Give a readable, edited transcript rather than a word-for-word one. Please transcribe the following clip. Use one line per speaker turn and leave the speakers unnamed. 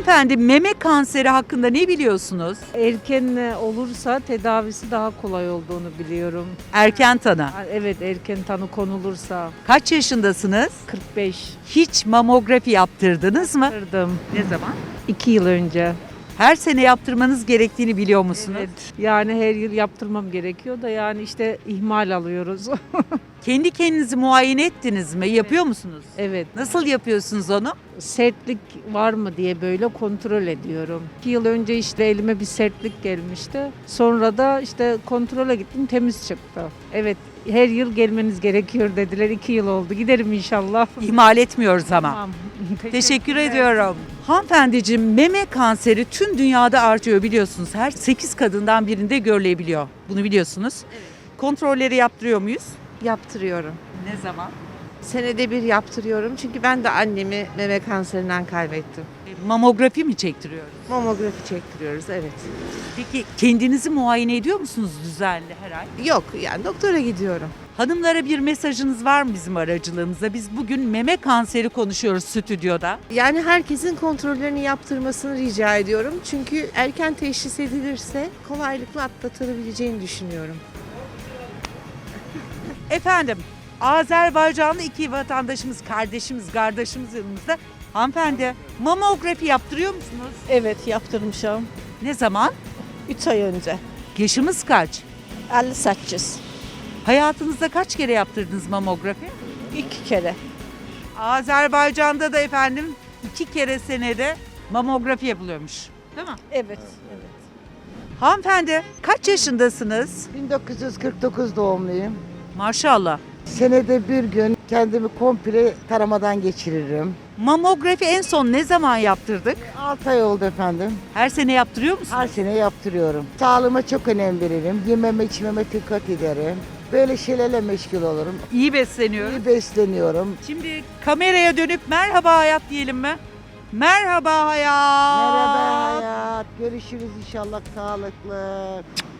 Hanımefendi, meme kanseri hakkında ne biliyorsunuz?
Erken olursa tedavisi daha kolay olduğunu biliyorum.
Erken tanı.
Evet, erken tanı konulursa
Kaç yaşındasınız?
45
Hiç mamografi yaptırdınız mı?
kırdım.
Ne zaman?
2 yıl önce.
Her sene yaptırmanız gerektiğini biliyor musunuz?
Evet. Yani her yıl yaptırmam gerekiyor da yani işte ihmal alıyoruz.
Kendi kendinizi muayene ettiniz mi? Yapıyor musunuz?
Evet.
Nasıl yapıyorsunuz onu?
Sertlik var mı diye böyle kontrol ediyorum. 2 yıl önce işte elime bir sertlik gelmişti. Sonra da işte kontrole gittim, temiz çıktı. Evet, her yıl gelmeniz gerekiyor dediler. 2 yıl oldu. Giderim inşallah.
İhmal etmiyoruz ama.
Tamam.
Teşekkür ediyorum. Hanımefendiciğim, meme kanseri tüm dünyada artıyor biliyorsunuz. Her 8 kadından birinde görülebiliyor. Bunu biliyorsunuz. Kontrolleri yaptırıyor muyuz?
Yaptırıyorum.
Ne zaman?
Senede bir yaptırıyorum çünkü ben de annemi meme kanserinden kaybettim.
Mamografi mi çektiriyoruz?
Mamografi çektiriyoruz, evet.
Peki kendinizi muayene ediyor musunuz düzenli her ay?
Yok, yani doktora gidiyorum.
Hanımlara bir mesajınız var mı bizim aracılığımızda? Biz bugün meme kanseri konuşuyoruz stüdyoda.
Yani herkesin kontrollerini yaptırmasını rica ediyorum. Çünkü erken teşhis edilirse kolaylıkla atlatılabileceğini düşünüyorum.
Efendim, Azerbaycanlı iki vatandaşımız, kardeşimiz yanımızda. Hanımefendi, mamografi yaptırıyor musunuz?
Evet yaptırmışım.
Ne zaman?
3 ay önce.
Yaşımız kaç?
58.
Hayatınızda kaç kere yaptırdınız mamografi?
2 kere.
Azerbaycan'da da efendim 2 kere senede mamografi yapılıyormuş. Değil mi?
Evet. Evet.
Hanımefendi, kaç yaşındasınız?
1949 doğumluyum.
Maşallah.
Senede bir gün kendimi komple taramadan geçiririm.
Mamografi en son ne zaman yaptırdık?
6 ay oldu efendim.
Her sene yaptırıyor musunuz?
Her sene yaptırıyorum. Sağlığıma çok önem veririm. Yememe içmeme dikkat ederim. Böyle şeylerle meşgul olurum.
İyi besleniyorum.
İyi besleniyorum.
Şimdi kameraya dönüp merhaba hayat diyelim mi? Merhaba hayat.
Merhaba hayat. Görüşürüz inşallah sağlıklı.